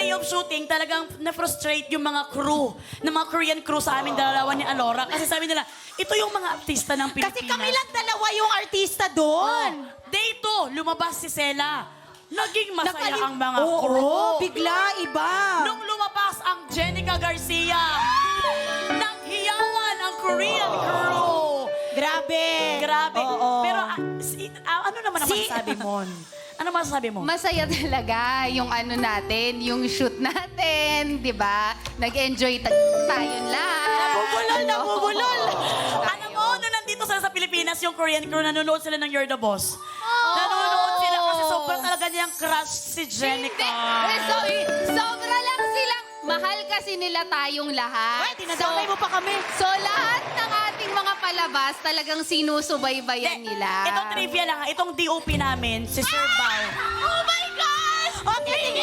day of shooting, talagang na-frustrate yung mga crew, ng mga Korean crew sa amin dalawa ni Alora. Kasi sabi nila, ito yung mga artista ng Pilipinas. Kasi kami lang dalawa yung artista doon. Day 2, lumabas si Sela. Naging masaya ang mga Oo, crew. bigla, iba. Nung lumabas ang Jenica Garcia, naghiyawan ang Korean crew. Grabe. Grabe. Oo. Pero ano naman ang masasabi mo? Ano masasabi mo? Masaya talaga yung ano natin, yung shoot natin, di ba? Nag-enjoy tayo lahat. Nabubulol. Alam mo, nung nandito sila sa Pilipinas, yung Korean crew, nanonood sila ng You're the Boss. Nanonood sila kasi sobrang talaga niyang crush si Jenica. Sobra lang silang, mahal kasi nila tayong lahat. Tinadamay mo pa kami. So lahat ng ating mga palabas talagang sinusubaybayan nila. Itong trivia lang, itong DOP namin, si Sir Bao. Oh my gosh! Okay,